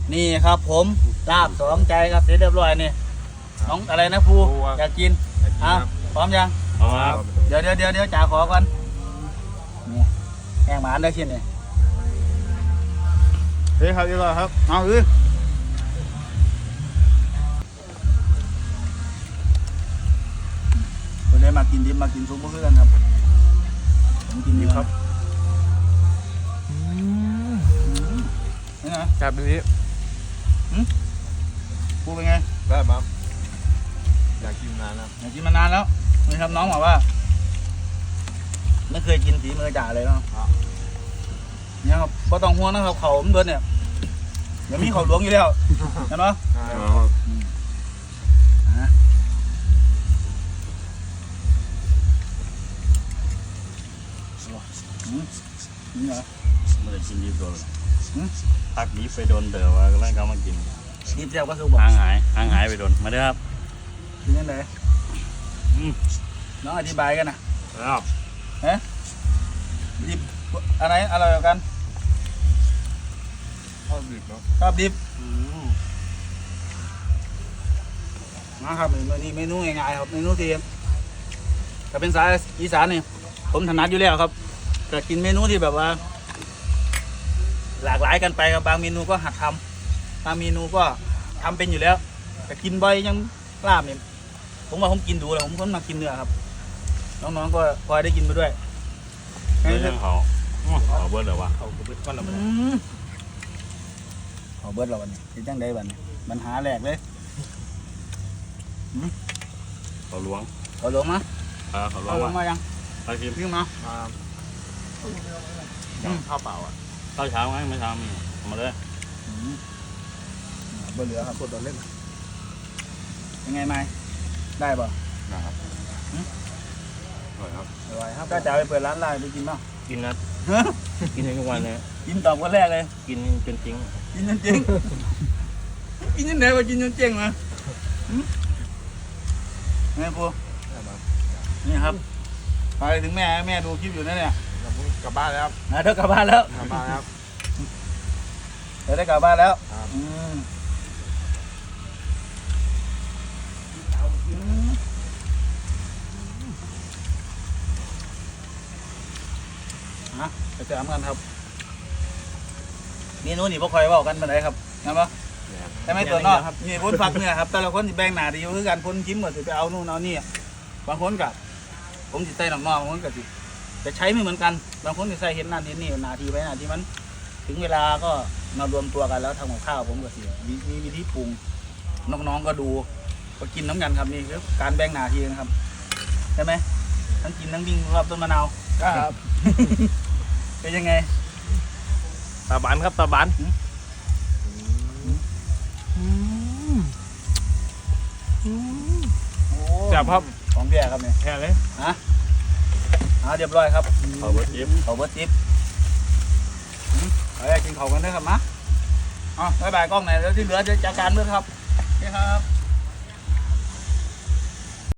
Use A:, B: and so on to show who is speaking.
A: นี่ครับผมลาบสองใจครับเสร็จเรียบร้อยนี่น้องอะไรนะภูอยากกินอ่ะพร้อมยังเดี๋ยวจ่าขอก่อนนี่แกงหมาได้ชิ้นนี่เฮ้ยครับเรียบร้อยครับเอาคนได้มากินดิบมากินซุปเพื่อนครับผมกินดิบครับนี่ไง
B: จับแบบนี้
A: พูดเป็นไง
B: ได้ปั๊บอยากกินนานแล้ว
A: อยากกินมานานแล้วนี่ครับน้องบอกว่าไม่เคยกินฝีมือจ่าเลยเนาะเนี่ยครับพอต้องห่วงนะครับเขาผมเดินเนี่ยเดี๋ยวมีเขาหลวงอยู่แล้วเห็นไหมนี่เหรอ
C: ไม่ได้กินดิบโดนพักนี้ไปโดนเดี๋ยวว่าแล้วก็มากิน
A: ดิบเจียวก็คือบอก
C: ห่างหายไปโดนมาเด้อครับ
A: กินยังไงน้องอธิบายกันนะครับ ดิบอะไรอร่อยกว่ากัน
B: ชอบดิบเนาะ
A: ชอบดิบนะครับนี่เมนูง่ายๆครับเมนูที่ถ้าเป็นสายอีสานนี่ผมถนัดอยู่แล้วครับแต่กินเมนูที่แบบว่า หลากหลายกันไปครับบางเมนูก็หัดทำบางเมนูก็ทำเป็นอยู่แล้วแต่กินบ่อยยังลาบเนี่ยผมว่าผมกินดูแล้วผมก็มากินเนื้อครับน้องๆก็พอได้กินไปด้วย
C: เรื่องเขาเบิร์ดเหรอวะ
B: เอากระเบื้องก้อนละ
A: ขอเบิร์ดเราวันนี้เป็นจังได้บันนี้ปัญหาแรกเลย
C: เขาล้วง
A: ขอลงมา
C: เขาล้ว
A: เอา
C: ง
A: ลงมายัง
C: ไปกิน
A: ขึ้นมา
B: ข้าวเปล่าอ่ะ
C: ข้าวเช้าไหมไม่เช้ามีมาเลย
A: เบอร์เหลือครับ
B: กดตอนเล่น
A: ยังไงไม่ได้ป่ะ
B: นะครับอร่อยครับ
A: อร่อยครับถ้าจะเอาไปเปิดร้านลาบไปกินป่ะ
C: กินนะกินทุกวันเลย
A: กินตอบคนแรกเลย
C: กินจนจริง
A: กินจนเจ๊งกินจนไหนวะกินจนเจ๊งมาไงปูนี่ครับไปถึงแม่ดูคลิปอยู่นั่นเนี่ย
B: กลับบ้านแล้วครับ
A: เธอกลับบ้านแล้ว
B: กลับบ้านครับ
A: เธอได้กลับบ้านแล้ว
B: ครับ
A: ไปเจอกันครับนี่นู้นนี่พวกคอยเว่ากันมาไหนครับนะปะแต่ไม่ตัวนอกนี่พ้นฝักเนี่ยครับแต่ละคนแบ่งหน้าที่อยู่คือกันพ้นชิ้มหมดไปเอานู่นเอานี่บางคนกับผมจิตใจหนอกๆบางคนกับจะใช้ไม่เหมือนกันบางคนจะใส่เห็นนั่นเห็นนี่หน้าที่ไปหน้าที่มันถึงเวลาก็มารวมตัวกันแล้วทำกับข้าวผมก็สิมีวิธีปรุงน้องๆก็ดูก็กินน้ำกันครับนี่คือการแบ่งหน้าที่นะครับใช่ไหมทั้งกินทั้งวิ่งรอบต้นมะนาว
B: ครับ
A: เป็นยังไง
B: ตาบานครับตาบาน จับครับ
A: ของแก่ครับเนี่ย
B: แค่เลย
A: เรียบร้อยครับ
C: เขาเบิร์ดทิป
A: เขาเบิร์ตทิปไปกินเขากันด้วยครับมะบ๊ายบายกล้องไหนแล้วที่เหลือจะจัดการเมื่อครับนี่ครับ